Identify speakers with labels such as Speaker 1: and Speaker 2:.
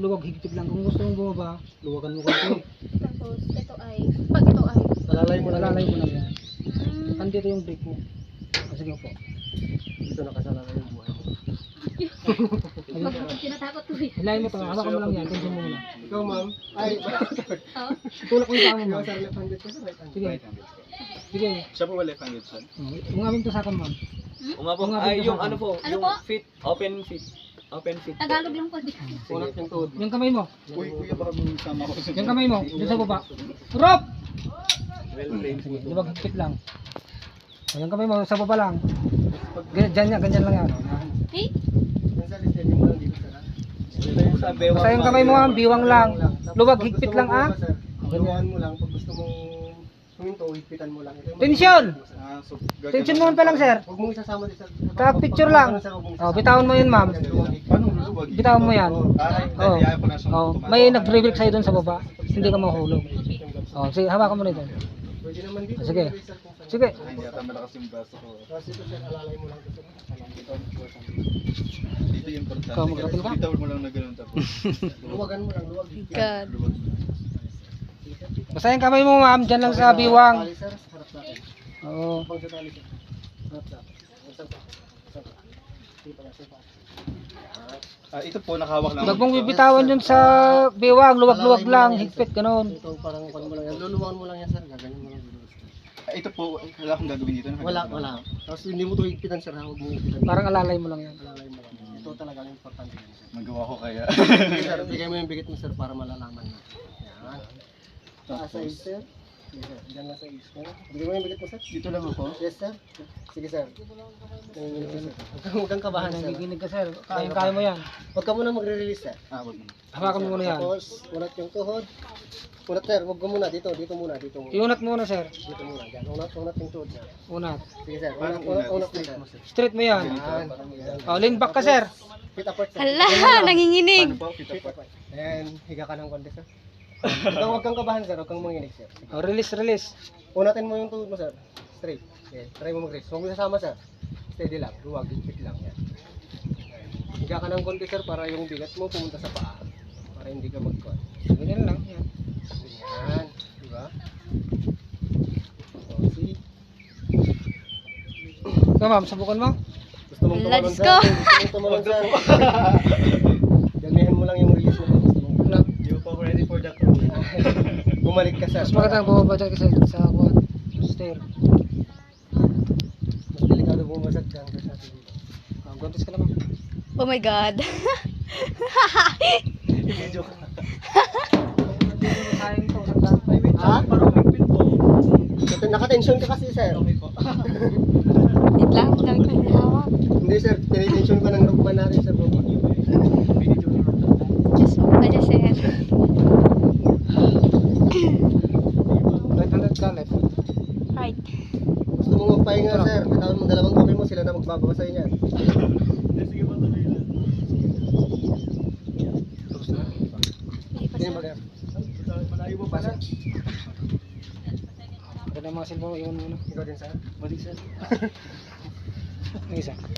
Speaker 1: luwag higpit lang. Kung gusto mong bumaba, luwagan mo konti.
Speaker 2: Tapos, ito ay, pag ito ay,
Speaker 1: Alalay mo lang yan.
Speaker 2: hmm,
Speaker 1: Andito yung brake mo. Sige po.
Speaker 3: Dito nakasalalay yung buhay mo.
Speaker 2: tinatakot ko eh.
Speaker 1: Hilahin mo to, hawakan mo lang yan. Tension mo muna.
Speaker 3: Ikaw ma'am. Ay,
Speaker 2: Oh,
Speaker 1: Tulak mo yung paa mo,
Speaker 3: ikaw
Speaker 1: ma'am.
Speaker 3: sir, left-handed ka sir, right-handed.
Speaker 1: Sige. Sige.
Speaker 4: Siya po ba left-handed son?
Speaker 1: Yung aming tusakan, ma'am.
Speaker 5: Umabot.
Speaker 1: Mga
Speaker 5: Ay,
Speaker 1: bigyan
Speaker 5: yung
Speaker 1: sa
Speaker 5: ano po,
Speaker 2: Ano
Speaker 5: yung
Speaker 2: po?
Speaker 5: feet, open feet. Open feet.
Speaker 2: Tagalog lang po. Di.
Speaker 3: Unat yung tuhod.
Speaker 1: Yung kamay mo.
Speaker 4: Uy, kuya, baka sama ko sa...
Speaker 1: Yung kamay mo. Doon sa baba. Rope!
Speaker 5: Well trained.
Speaker 1: Sige, luwag higpit lang. O, yung kamay mo sa baba lang. Ganyan lang yan.
Speaker 2: Eh?
Speaker 3: Yan sir, steady mo lang dito sir.
Speaker 5: Ito yung sa bewang.
Speaker 1: Basta yung kamay mo, ma'am, biwang lang. Luwag higpit lang, ah.
Speaker 3: Luwagan mo lang. Pag gusto mong huminto, higpitan mo lang. Ito yung
Speaker 1: Tensyon!
Speaker 4: Ah, so,
Speaker 1: Tension mo pa lang, sir.
Speaker 3: Huwag mong isasama din sir.
Speaker 1: Ka-picture lang. O, bitawan mo yun, ma'am.
Speaker 4: Paano luluwag?
Speaker 1: Bitawan mo yan.
Speaker 4: Ay,
Speaker 1: Oo.
Speaker 4: ayaw ko na siyang
Speaker 1: Oh,
Speaker 4: tumakas.
Speaker 1: may nag-brake sa'yo doon sa baba. Hindi ka mahulog. Oh, sige, hawakan mo nito.
Speaker 3: Pwede naman dito.
Speaker 1: Sige.
Speaker 3: pwede sir, kung saan.
Speaker 1: Sige.
Speaker 4: Ay, hindi ata malakas yung braso ko.
Speaker 3: Tapos ito sir, alalay mo lang ito sir.
Speaker 4: Dito yung importante.
Speaker 1: Ikaw, mag-rapid ka?
Speaker 4: Bitaw mo lang na ganun tapos.
Speaker 3: Luwagan mo lang, luwag.
Speaker 2: God.
Speaker 4: Luwag.
Speaker 1: Basta yung kamay mo, ma'am, dyan lang sa biwang.
Speaker 3: Tali sir, harap natin.
Speaker 1: Oo.
Speaker 3: Pag sa tali sir. Harap natin. Isang pa. Isang pa. Sige pa, isang pa.
Speaker 4: Ah, ito po, nakahawak lang.
Speaker 1: Huwag mong bibitawan yun sa biwang. Luwag-luwag lang. Higpit, ganun.
Speaker 3: Ito parang kung mo lang yan. Luluwagan mo lang yan sir. Gaganyan mo lang.
Speaker 4: Ah, ito po, wala akong gagawin dito.
Speaker 3: Wala. Tapos hindi mo ito higpitan sir. Huwag mo higpitan.
Speaker 1: Parang alalay mo lang yan.
Speaker 3: Alalay mo lang. Ito talaga ang importante yan sir.
Speaker 4: Magawa ko kaya.
Speaker 3: Sige sir, bigay mo yung bigit mo sir para malalaman mo. Yan. Taas sa is sir. Sige sir, dyan lang sa is. Bigay mo yung bigit mo sir.
Speaker 4: Dito lang ako.
Speaker 3: Yes sir. Sige sir. Huwag kang kabahan sir.
Speaker 1: Nagiginig ka, sir. Kaya mo yan.
Speaker 3: Huwag ka muna magre-release sir.
Speaker 4: Ah, wag mo.
Speaker 1: Hawakan mo muna yan.
Speaker 3: Tapos, unat yung tuhod. Unat sir, huwag ka muna dito. Dito muna.
Speaker 1: Iunat muna, sir.
Speaker 3: Dito muna. Dyan. Unat yung tuhod niya.
Speaker 1: Unat.
Speaker 3: Sige sir.
Speaker 4: Parang
Speaker 3: Unat
Speaker 4: unat.
Speaker 3: mo sir.
Speaker 1: Straight mo yan.
Speaker 3: Yan.
Speaker 1: Oh, lean back ka, sir.
Speaker 3: Fit apart sir.
Speaker 2: Hala, nanginginig.
Speaker 4: Paano po? Kita
Speaker 3: Fit
Speaker 4: po.
Speaker 3: apart. And higa ka ng konti sir. Huwag kang kabahan sir. Huwag kang manginig sir.
Speaker 1: Oh, release.
Speaker 3: Unatin mo yung tuhod mo sir. Straight. Okay. Try mo mag-release. Huwag mo sasama sir. Steady lang. Luwag. Fit lang. Yan. Higa ka ng konti sir para yung bigat mo pumunta sa paa. Para hindi ka mag-cut.
Speaker 1: Ganyan lang. Yan.
Speaker 3: Yan. Diba? So, see?
Speaker 1: Ikaw, ma'am, subukan mo.
Speaker 3: Gusto mong tumalon
Speaker 2: Let's
Speaker 3: sir?
Speaker 2: go.
Speaker 3: Gusto mong tumalon sir? Damihan mo lang yung release mo. Gusto mong
Speaker 1: Wala.
Speaker 4: Hindi po ako ready for that role.
Speaker 3: bumalik ka sir.
Speaker 1: Mas magandang bumaba dyan kasi sa kuwan. Stair.
Speaker 3: Mas delikado bumagsak dyan kasi sa atin dito.
Speaker 1: Gontis ka na, ma'am.
Speaker 2: Oh my God.
Speaker 1: Sayang to.
Speaker 3: Ha?
Speaker 4: Parang pagpil po.
Speaker 3: Naka-tension ka kasi sir.
Speaker 2: Wait lang, dami ko hinahawak.
Speaker 3: Hindi sir, tinitension ka ng rugman natin sir.
Speaker 2: Just, adjust sir.
Speaker 1: Right-handed ka, left.
Speaker 2: Right.
Speaker 3: Gusto mong magpahinga sir, bitawan mo dalawang kamay mo, sila na magbababa sa'yo niyan.
Speaker 4: Sige po, tuloy na.
Speaker 2: Hindi pa
Speaker 3: Sige
Speaker 2: sir.
Speaker 3: mag-
Speaker 4: Malayo mo pa sir.
Speaker 1: Pagka na mga cellphone, iwan muna.
Speaker 3: Ikaw din sir.
Speaker 4: Balik sir.
Speaker 1: Ang isa.